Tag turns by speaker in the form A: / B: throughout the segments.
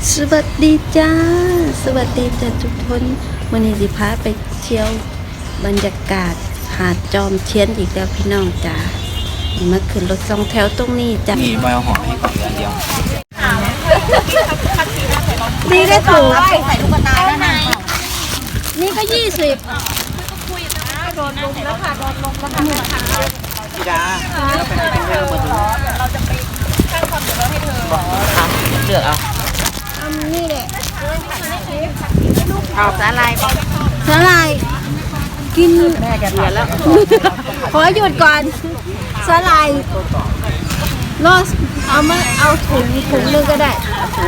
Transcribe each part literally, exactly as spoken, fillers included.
A: สวัสดีจ้าสวัสดีจ้าทุกคนวันนี้สิพาไปเที่ยวบรรยากาศหาดจอมเทียนอีกแล้วพี่น้องจ้ามาขึ้นรถสองแถวตรงนี้จ้า
B: มีใบหอมให้ก่อนเดือนเดียว
A: นี่ได้ถูก
C: ใส่ลูกตาแล้วนะ
A: นี่ก็ยี่สิบ
C: โดนลงแล้วค่ะโดนลงแล้วค่ะ
B: พี่ดาเราไปไหนกันเริ่มมาดู
C: เราจะไปข้างความเดือดร้อนให้เธอ
B: เอาเลือกเอา
A: อันนี้แหละ
C: เอาสาลาย
A: สาลายกิน
B: แม่แกเดือนแล้ว
A: ขอหยุดก่อนสาลายรอสเอามาเอาถุงถุงนึงก็ได้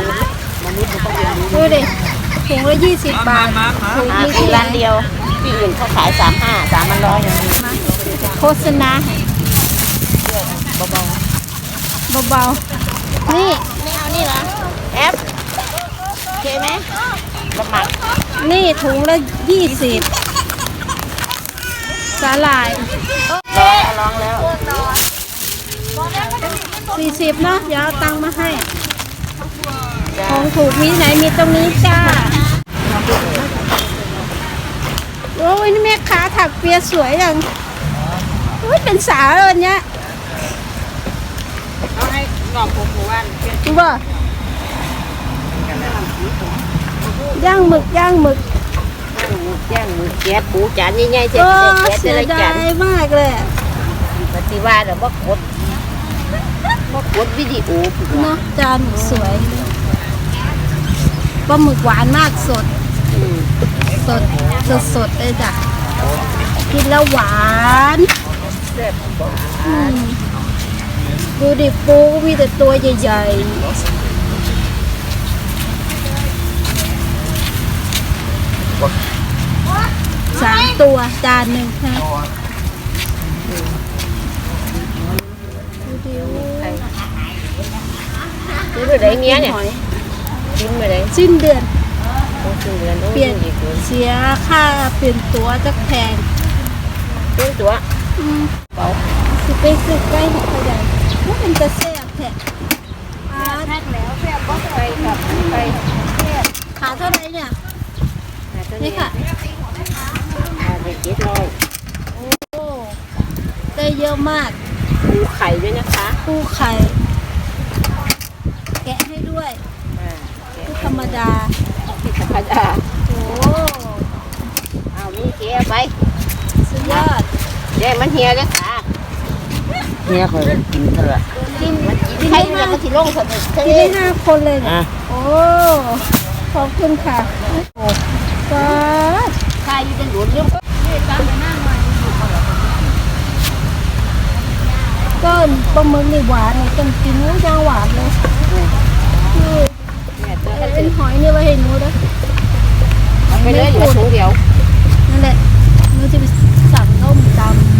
A: ดูดิถุงละยี่สิบบาทถุงนี้ที่
C: ร้านเดียวที่อื่นเขาขายสามห้าสามมันร้อยอย่างนี้
A: โฆษณา
C: เบา
A: เบาๆนี่
C: ไม่เอานี่เหรอแอปโอเคไหมละหมัด
A: นี่ถุงละยี่สิบสาหร่าย
C: ลองลองแล้ว
A: สี่สิบเนาะเดี๋ยวเอาตังค์มาให้ของถูกมีไหนมีตรงนี้จ้าโอ้ยนี่แม่ค้าถักเปียสวยอย่างโอ้ยเป็นสาวเลยเนี้ย
C: เอาให้หน่อผมหมู่บ้าน
A: ดูบ่ย่างหมึกย่างหมึก
C: ย่างมือแก๊สปูจานใหญ่ๆเสร็จ
A: เสียดายมากเลย
C: ปฏิวัติหรือว่ากดว่ากดวิดีโอ
A: เนาะจานสวยปลาหมึกหวานมากสดสดสดสดเลยจ้ะกินแล้วหวานดูดิปูมีแต่ตัวใหญ่ๆสามตัวจานหนึ่งนะ
C: ซื้อไปไหนเงี้ยเนี่ยจิ้มไปไหน
A: สิ้นเดือน
C: สิ้นเดือน
A: เปลี่ยนเสียค่าเปลี่ยนตัวจักแพง
C: เปลี่ยนตัว
A: เบาสิไปซื้อใกล้หัวใหญ่ว่าเป็นจะแซ่บแท้
C: แพ็คแล้วแซ่บก็ไปกับไป
A: ขาเท่าไรเนี่ยนี่ค่ะ
C: ไปเจ็ดร้อย
A: โอ้ได้เยอะมาก
C: ปูไข่ด้วยนะคะ
A: ปูไข่แกะให้ด้วยปูธรรมดา
C: ธรรมดา
A: โอ้
C: เอานี่เกียไป
A: สุดยอด
C: เดี๋ยวมันเฮียเลยค่ะ
B: เฮียเคยกินเถอะ
A: กิน
C: กินให้มันก็ที่ลงสนุก
A: กินได้ห้าคนเลยนะโอ้ขอบคุณค่ะโอ้ป้า
C: ใครอยู่ในหลุมเรื่อง
A: ก็ปลาหมึกนี่หวานเลยต้องกินนู้ย่างหวานเลยนี่เอ็นหอยนี่ไว้ให้หนูด้วย
C: ไปเลยเหลือถุงเดียว
A: นั่นแหละหนูจะไปสั่งต้มตำ